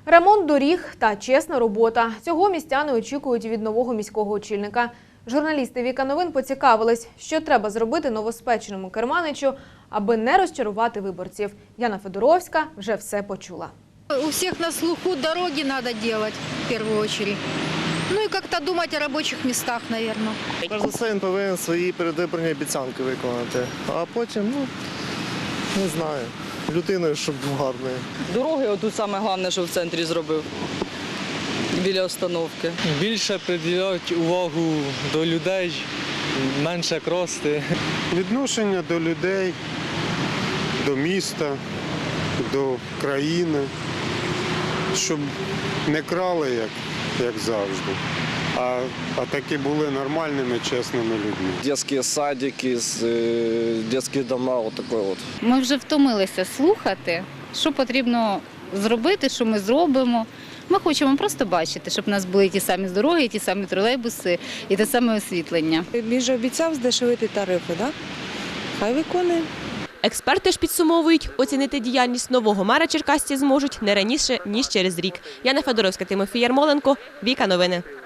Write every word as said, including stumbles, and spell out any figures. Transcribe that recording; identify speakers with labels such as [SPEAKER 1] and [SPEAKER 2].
[SPEAKER 1] Ремонт доріг та чесна робота. Цього містяни очікують від нового міського очільника. Журналісти Віка Новин поцікавились, що треба зробити новоспеченому керманичу, аби не розчарувати виборців. Яна Федоровська вже все почула.
[SPEAKER 2] У всех на слуху дороги надо делать в первую очередь. Ну и как-то думать о рабочих местах, наверное.
[SPEAKER 3] Перш за все, він повинен свої передвиборні обіцянки виконати. А потім, ну, не знаю, людиною, щоб був гарною.
[SPEAKER 4] Дороги отут саме головне, що в центрі зробив, біля остановки.
[SPEAKER 5] Більше приділяють увагу до людей, менше крости.
[SPEAKER 6] Відношення до людей, до міста, до країни, щоб не крали, як, як завжди, а, а таки були нормальними, чесними людьми.
[SPEAKER 3] Детські садики, детські дома, отакий от.
[SPEAKER 7] Ми вже втомилися слухати, що потрібно зробити, що ми зробимо. Ми хочемо просто бачити, щоб у нас були ті самі дороги, ті самі тролейбуси і те саме освітлення.
[SPEAKER 8] Він же обіцяв здешевити тарифи, так? Хай виконує.
[SPEAKER 9] Експерти ж підсумовують, оцінити діяльність нового мера черкасці зможуть не раніше, ніж через рік. Яна Федоровська, Тимофій Ярмоленко, Віка Новини.